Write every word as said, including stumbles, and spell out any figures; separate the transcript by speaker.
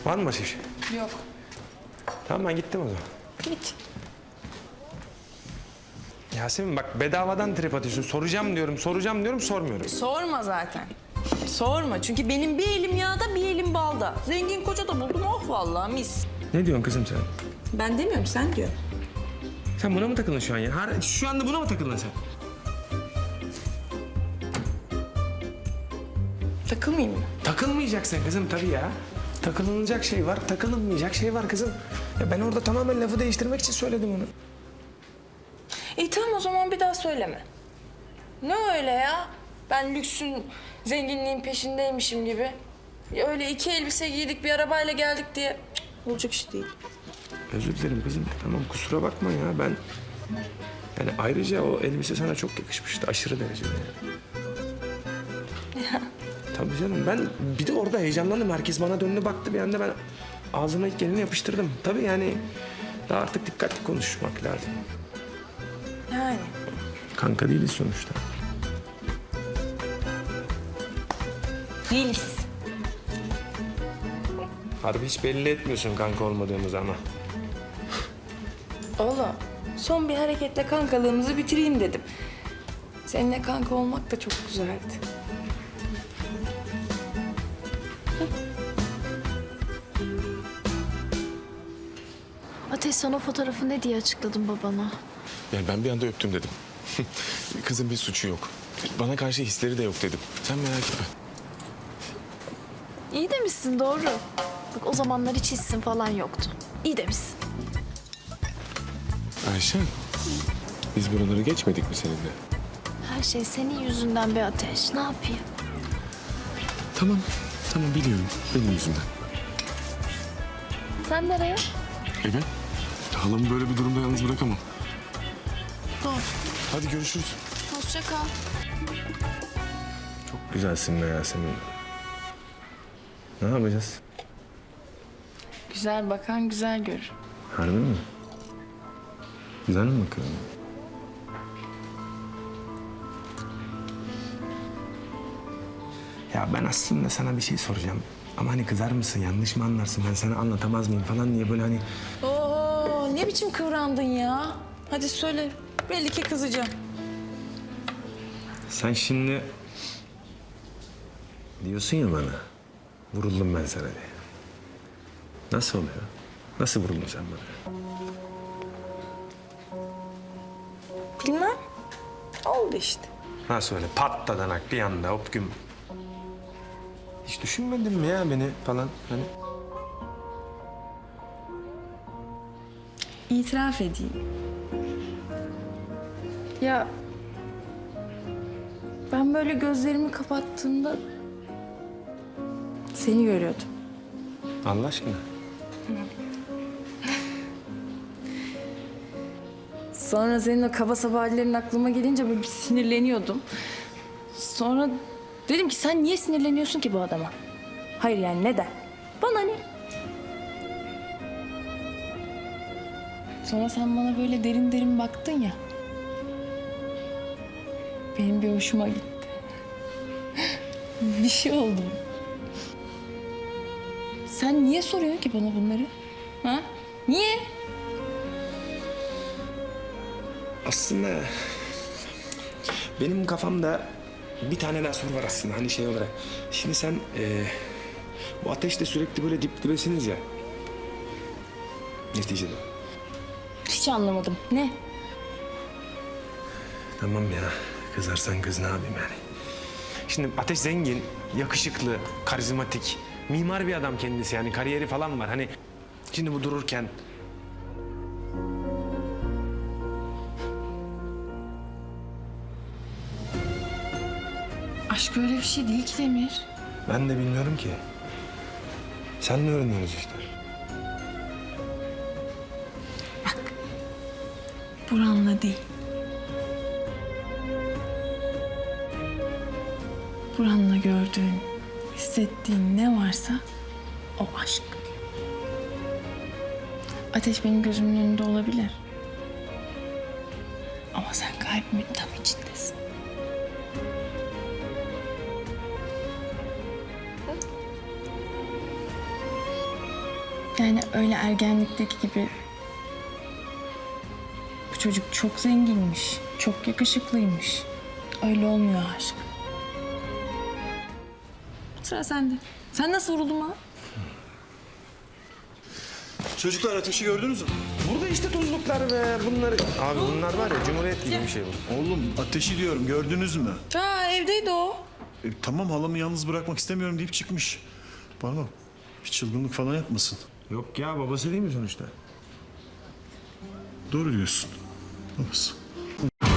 Speaker 1: Var mı başka bir şey?
Speaker 2: Yok.
Speaker 1: Tamam ben gittim o zaman.
Speaker 2: Git.
Speaker 1: Yasemin bak bedavadan trip atıyorsun. Soracağım diyorum, soracağım diyorum, sormuyorum.
Speaker 2: Sorma zaten. Sorma çünkü benim bir elim yağda bir elim balda. Zengin koca da buldum oh vallahi mis.
Speaker 1: Ne diyorsun kızım sen?
Speaker 2: Ben demiyorum sen diyor.
Speaker 1: Sen buna mı takıldın şu an ya? Har- Şu anda buna mı takıldın sen?
Speaker 2: Takılmayayım mı?
Speaker 1: Takılmayacaksın kızım tabii ya. Takılınacak şey var, takılınmayacak şey var kızım. Ya ben orada tamamen lafı değiştirmek için söyledim onu.
Speaker 2: İyi tamam o zaman bir daha söyleme. Ne öyle ya? Ben lüksün, zenginliğin peşindeymişim gibi. Ya öyle iki elbise giydik bir arabayla geldik diye cık, olacak iş değil.
Speaker 1: Özür dilerim kızım. Tamam kusura bakma ya ben... Yani ayrıca o elbise sana çok yakışmıştı aşırı derecede.
Speaker 2: Ya.
Speaker 1: Tabii canım ben bir de orada heyecanlandım. Herkes bana döndü baktı bir anda ben ağzıma ilk geleni yapıştırdım. Tabii yani daha artık dikkatli konuşmak lazım.
Speaker 2: Yani.
Speaker 1: Kanka değiliz sonuçta.
Speaker 2: Değiliz.
Speaker 1: Harbi hiç belli etmiyorsun kanka olmadığımızı ama.
Speaker 2: Oğlum son bir hareketle kankalığımızı bitireyim dedim. Seninle kanka olmak da çok güzeldi.
Speaker 3: Ateş sen o fotoğrafı ne diye açıkladın babana?
Speaker 4: Yani ben bir anda öptüm dedim. Kızın bir suçu yok. Bana karşı hisleri de yok dedim. Sen merak etme.
Speaker 3: İyi demişsin doğru. Bak o zamanlar hiç hissin falan yoktu. İyi demişsin.
Speaker 4: Ayşen, biz buraları geçmedik mi seninle?
Speaker 3: Her şey senin yüzünden be Ateş. Ne yapayım?
Speaker 4: Tamam, tamam biliyorum. Benim yüzümden.
Speaker 3: Sen nereye?
Speaker 4: Evet. Halamı böyle bir durumda yalnız bırakamam.
Speaker 3: Doğru.
Speaker 4: Hadi görüşürüz.
Speaker 3: Hoşça kal.
Speaker 1: Çok güzelsin be Yasemin. Ne yapacağız?
Speaker 2: Güzel bakan güzel görür.
Speaker 1: Harbi mi? Güzel mi bakıyorum? Ya ben aslında sana bir şey soracağım. Ama hani kızar mısın, yanlış mı anlarsın? Ben sana anlatamaz mıyım falan diye böyle hani...
Speaker 2: Oo ne biçim kıvrandın ya? Hadi söyle. Belli ki kızacağım.
Speaker 1: Sen şimdi... Diyorsun ya bana, vuruldum ben sana diye. Nasıl oluyor? Nasıl vuruldun sen bana?
Speaker 2: Bilmem. Oldu işte.
Speaker 1: Nasıl öyle patladanak bir anda hop güm. Hiç düşünmedin mi ya beni falan hani?
Speaker 2: İtiraf edeyim. Ya ben böyle gözlerimi kapattığımda seni görüyordum.
Speaker 1: Allah aşkına.
Speaker 2: Sonra senin o kaba saba hallerin aklıma gelince böyle bir sinirleniyordum. Sonra dedim ki sen niye sinirleniyorsun ki bu adama? Hayır yani neden? Bana ne? Sonra sen bana böyle derin derin baktın ya. Benim bir hoşuma gitti. Bir şey oldu. Sen niye soruyorsun ki bana bunları? Ha? Niye?
Speaker 1: Aslında benim kafamda bir tane daha soru var aslında hani şey olarak. Şimdi sen e, bu ateşle sürekli böyle dip dibesiniz ya. Neticede.
Speaker 2: Hiç anlamadım. Ne?
Speaker 1: Tamam ya kızarsan kız ne yapayım yani. Şimdi Ateş zengin, yakışıklı, karizmatik, mimar bir adam kendisi yani kariyeri falan var. Hani şimdi bu dururken
Speaker 2: Aşk öyle bir şey değil ki Demir.
Speaker 1: ben de bilmiyorum ki. Sen ne öğreniyorsunuz işte?
Speaker 2: Bak. Buranla değil. Buranla gördüğün, hissettiğin ne varsa o aşk. Ateş benim gözümün önünde olabilir. Ama sen kalbimin tam içindesin. Yani öyle ergenlikteki gibi bu çocuk çok zenginmiş, çok yakışıklıymış. Öyle olmuyor aşk. Sıra sende. Sen nasıl vuruldun ha?
Speaker 5: Çocuklar ateşi gördünüz mü?
Speaker 1: Burada işte tuzluklar ve bunları... Abi bunlar var ya Cumhuriyet gibi bir şey bu.
Speaker 5: Oğlum ateşi diyorum gördünüz mü?
Speaker 2: Aa, evdeydi o.
Speaker 5: E, tamam halamı yalnız bırakmak istemiyorum deyip çıkmış. Bana bir çılgınlık falan yapmasın.
Speaker 1: Yok ya babası değil mi sonuçta?
Speaker 5: Doğru diyorsun. Babası.